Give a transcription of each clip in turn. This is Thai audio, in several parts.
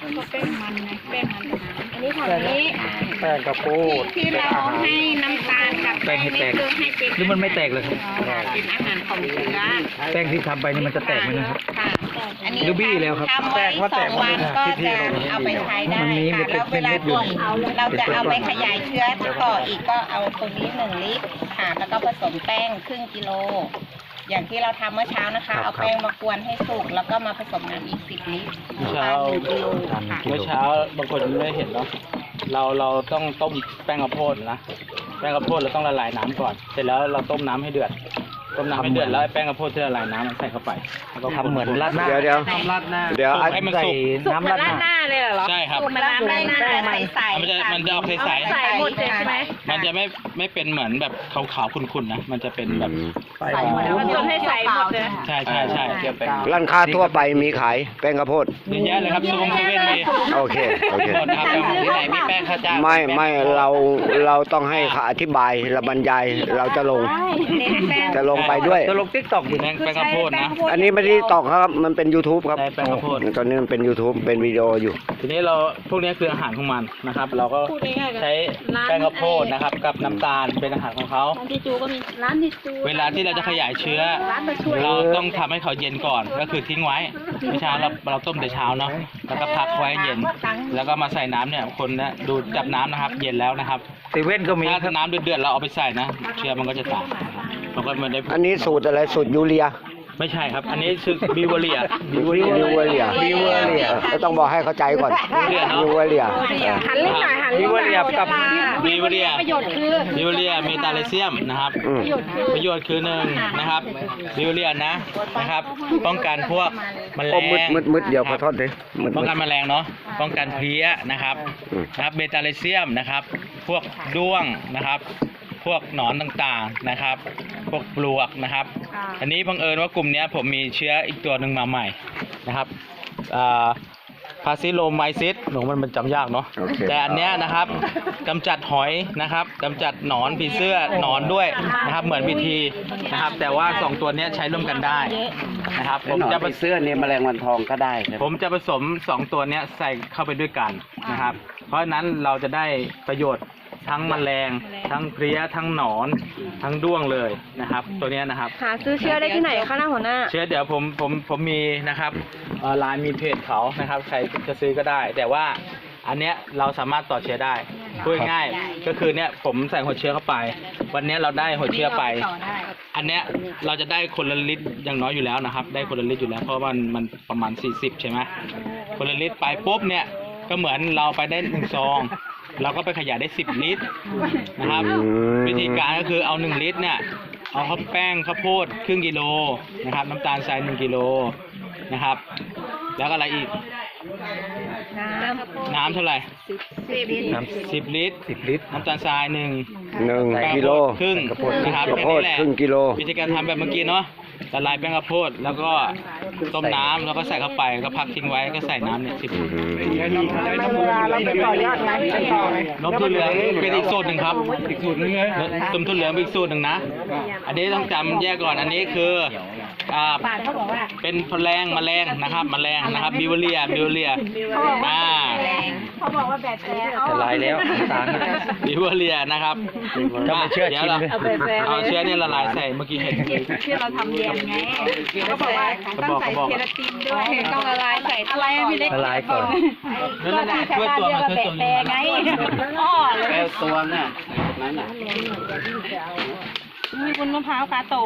แป้งมันนะแป้งมันอันนี้ของนี้แป้งกระโปดที่เราให้น้ำตาลกับแป้งนี่คือให้เป็นหรือมันไม่แตกเลยครับเป็นอาหารของเชื้อแป้งที่ทำไปนี่มันจะแตกไหมนะครับค่ะอันนี้หรือบี้แล้วครับทำไว้2 วันก็จะเอาไปใช้ได้ค่ะแล้วเวลาก่อนเราจะเอาไปขยายเชื้อต่ออีกก็เอาตรงนี้1 ลิตรค่ะแล้วก็ผสมแป้งครึ่งกิโลอย่างที่เราทำเมื่อเช้านะคะเอาแป้งมากวนให้สุกแล้วก็มาผสมน้ำอีก10 ลิตรเช้า 1 กิโลค่ะเมื่อเช้าบางคนไม่เห็นเนาะเราต้องต้มแป้งข้าวโพดนะแป้งข้าวโพดเราต้องละลายน้ำก่อนเสร็จแล้วเราต้มน้ำให้เดือดต้มน้ำให้เดือดแล้วแป้งข้าวโพดที่ละลายน้ำมันใส่เข้าไปแล้วก็ทำเหมือนราดหน้าเดี๋ยวทำราดหน้าเดี๋ยวให้มันสุกน้ำราดหน้าเลยเหรอใช่ครับมันน้ำได้หน้าใสๆมันจะออกใสใส่หมดเลยใช่ไหมๆมันจะไม่เป็นเหมือนแบบขาวๆขุ่นๆนะมันจะเป็นแบบใส่หมดแล้วมันจนให้ใส่หมดเลยใช่เกี่ยวเป็นร้านค้าทั่วไปมีขายแป้งข้าวโพดเยอะแยะเลยครับซูเซเว่นมีโอเคหมดครับที่ไหนมีแป้งข้าวเจ้าไม่เราต้องให้เขาอธิบายเราบรรยายเราจะลงไปด้วยจะลงติ๊กต็อกอยู่แป้งข้าวโพดนะอันนี้ไม่ได้ตอกครับมันเป็น YouTube ครับได้แป้งข้าวโพดตอนนี้มันเป็น YouTube เป็นวิดีโออยู่ทีนี้เราพวกนี้คืออาหารของมันนะครับ เราก็ใช้แป้งข้าวโพดนะครับกับน้ำตาลเป็นอาหารของเขาร้านที่จูก็มีร้านที่จูเวลาที่เราจะขยายเชื้อร้านมาช่วยเราต้องทำให้เขาเย็นก่อนก็คือทิ้งไว้เมื่อเช้าเราต้มแต่เช้าเนาะแล้วก็พักไว้เย็น แล้วก็มาใส่น้ำเนี่ยคนนะดูจับน้ำนะครับ เย็นแล้วนะครับเซเว่นก็มีถ้าน้ำเดือดๆเราเอาไปใส่นะเชื้อมันก็จะตายมันก็ไม่ได้อันนี้สูตรอะไรสูตรยูเรียไม่ใช่ครับ อันนี้คือบิวเรียบิวเรียก็ต้องบอกให้เข้าใจก่อนบิวเรียหันเล่นหน่อยหันวิวเรียบกับบิวเรียประโยชน์คือบิวเรียมีตาเลเซียมนะครับ ประโยชน์คือ1นะครับบิวเรียนะครับ ป้องกันพวกแมลโอ้งมืดเดี๋ยวขอโทษดิมืดป้องกันแมลงเนาะป้องกันเพลี้ยนะครับอืมนะครับเบต้าเลเซียมนะครับ พวกด้วงนะครับ พวกหนอนต่างๆนะครับ พวกปลวกนะครับ อันนี้บังเอิญว่ากลุ่มนี้ผมมีเชื้ออีกตัวหนึ่งมาใหม่นะครับพาซิโลไมซิสหนูมันจำยากเนาะโอเคแต่อันเนี้ยนะครับกำจัดหอยนะครับกำจัดหนอนผีเสื้อหนอนด้วยนะครับเหมือนวิธีนะครับ แต่ว่า2ตัวเนี้ยใช้ร่วมกันได้นะครับผมจะไปเสื้อเนี่ยแมลงวันทองก็ได้ครับผมจะผสม2ตัวเนี้ยใส่เข้าไปด้วยกันนะครับ เพราะฉะนั้นเราจะได้ประโยชน์ทั้งแมลงทั้งเพลี้ยทั้งหนอนทั้งด้วงเลยนะครับ ตัวเนี้ยนะครับหาซื้อเชื้อได้ที่ไหนคะหน้าหัวหน้าเชื้อเดี๋ยวผมมีนะครับไลน์มีเพจเขานะครับใครจะซื้อก็ได้ แต่ว่าอันเนี้ยเราสามารถต่อเชื้อได้พูดง่ายๆก็คือเนี้ยผมใส่หัวเชื้อเข้าไป วันเนี้ยเราได้หัวเชื้อไป อันเนี้ยเราจะได้คนละลิตรอย่างน้อยอยู่แล้วนะครับ ได้คนละลิตรอยู่แล้วเพราะมันประมาณ40ใช่ไหมคนละลิตรไปปุ๊บเนี่ยก็เหมือนเราไปได้1 ซองเราก็ไปขยายได้10 ลิตรนะครับ วิธีการก็คือเอา1 ลิตรเนี่ยเอาข้าวแป้งข้าวโพดครึ่งกิโลนะครับน้ำตาลทราย1 กิโลนะครับ แล้วก็อะไรอีกน้ำเท่าไหร่10 ลิตร 10 ลิตรน้ำตาลทราย1 1 กิโลครึ่งนะครับข้าวโพดแค่นี้แหละครึ่งกิโลวิธีการทำแบบเมื่อกี้เนาะละลายแป้งข้าวโพดแล้วก็ต้มน้ำแล้วก็ใส่เข้าไปก็พักทิ้งไว้ก็ใส่น้ำเนี่ย10 ลิตรเราไปต่อยอดไหมไปต่อไหมนมถั่วเหลืองเป็นอีกสูตรหนึ่งครับอีกสูตรนึงเลยนมถั่วเหลืองเป็นอีกสูตรหนึ่งนะ อันนี้ต้องจำแยกก่อนอันนี้คือเป็นแมลงนะครับแมลงนะครับบิวเรียเขาบอกว่าแบบแท้จะลายแล้วตาลบิวเรียนะครับถ้าไม่เชื่อดี๋ยวชิมเราเลยเอาเชื้อเนี่ยละลายใส่เมื่อกี้เห็นที่เราทำแยมไงเขาบอกว่าต้องใส่เคราตินด้วยต้องละลายใส่อะไรอะพี่เล็กละลายก่อนนั่นแหละช่วยตัวมาช่วยตัวแปรไงอ้อเลยแป้งตัวน่ะนั่นน่ะมีคุณมะพร้าวกาโตะ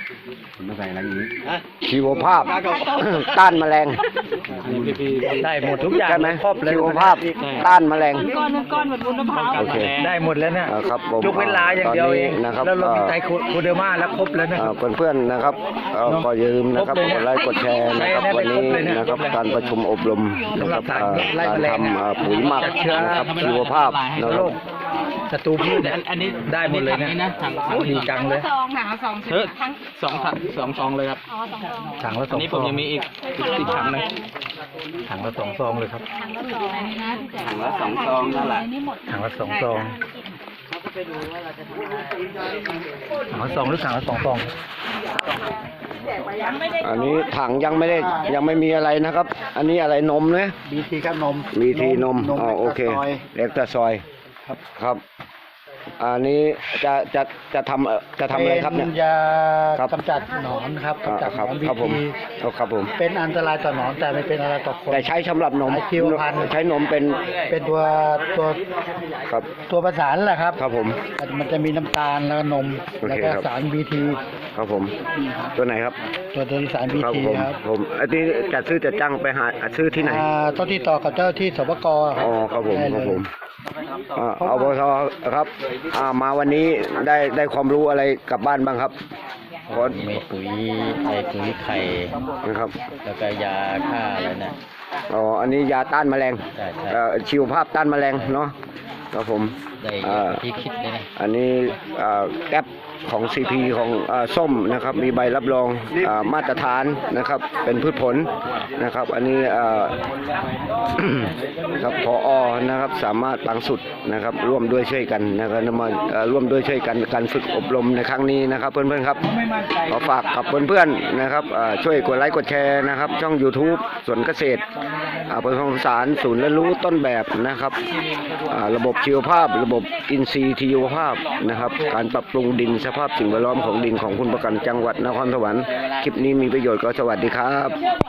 ชีวภาพ ต้านแมลงได้หมดทุกอย่างใช่ไหมครบเลยชีวภาพต้านแมลงก้อนเหมือนวุ้นมะพร้าวโอเคได้หมดแล้วเนี่ยครับผมยกเว้นลาอย่างเดียวเองตอนนี้นะครับแล้วเรามีไตรโคเดอร์มาแล้วครบแล้วนะครับเพื่อนๆนะครับก็อย่าลืมนะครับกดไลค์กดแชร์นะครับใช่วันนี้ได้ครบเลยนะนะครับการประชุมอบรมนะครับสำหรับไล่การแมลงทำปุ๋ยหมักจัดเชื้อนะครับชีวภาพนะคโรรับคศัตรูพืชเนี่ยอันนี้ได้หมดเลยนะนะถังโอ้ดีจังเลยซองหนา2 เออ2 ซองเลยครับถังละอันนี้ 2 ผซมองยังมีอีกถังหนึงถังละ2 ซองเลยครับถังละ2 ซองนั่นแหละถังละ2 ซองถังละ2หรือถังละ2 ซองอันนี้ถังยังไม่มีอะไรนะครับ อันนี้อะไรนมนะบีทีครับนมบีทีนมอ๋อโอเคเล็กตาซอยเล็กตาซอยครับ อันนี้จะทำอะไรครับเนี่ยเป็นยาครับกำจัดหนอนครับกำจัดหนอนบีครับผมทีครับผมเป็นอันตรายต่อหนอนแต่ไม่เป็นอะไรต่อคนแต่ใช้สำหรับนมใช้ชีวพันธุ์ใช้นมเป็นเป็นตัวครับตัวประสานแหละครับครับผมมันจะมีน้ำตาลแล้วก็นมโอเคแล้วก็ครับสารบีทีครับผม ตัวไหนครับตัวนี้สารบีครับทีผมครับผมอันนี้จะซื้อจะจ้างไปหาซื้อที่ไหนต้องติดต่อกับเจ้าที่สปกครัอ๋อครับผมได้คเลรับยผมเอาบทครับมาวันนี้ได้ความรู้อะไรกลับบ้านบ้างครับขอมีปุ๋ยปุ๋ยไข่นะครับแล้วก็ยาฆ่าอะไรนะอ๋ออันนี้ยาต้านแมลงใช่ชีวภาพต้านแมลงเนาะครับผมได้ที่คิดเลยนะอันนี้แก๊ปของ CP ของส้มนะครับ มีใบรับรองมาตรฐานนะครับ เป็นพืชผลนะครับ อันนี้ครับผอนะครับสามารถปังสุดนะครับ ร่วมด้วยช่วยกันนะครับมาร่วมด้วยช่วยกันการฝึกอบรมในครั้งนี้นะครับ เพื่อนๆครับขอฝากกับเพื่อนๆนะครับช่วยกดไลค์กดแชร์นะครับ ช่อง YouTube สวนเกษตรผสมผสานศูนย์เรียนรู้ต้นแบบนะครับระบบชีวภาพ ระบบอินทรีย์ชีวภาพนะครับ การปรับปรุงดินสภาพสิ่งแวดล้อมของดินของคุณประกันจังหวัดนครสวรรค์คลิปนี้มีประโยชน์ก็สวัสดีครับ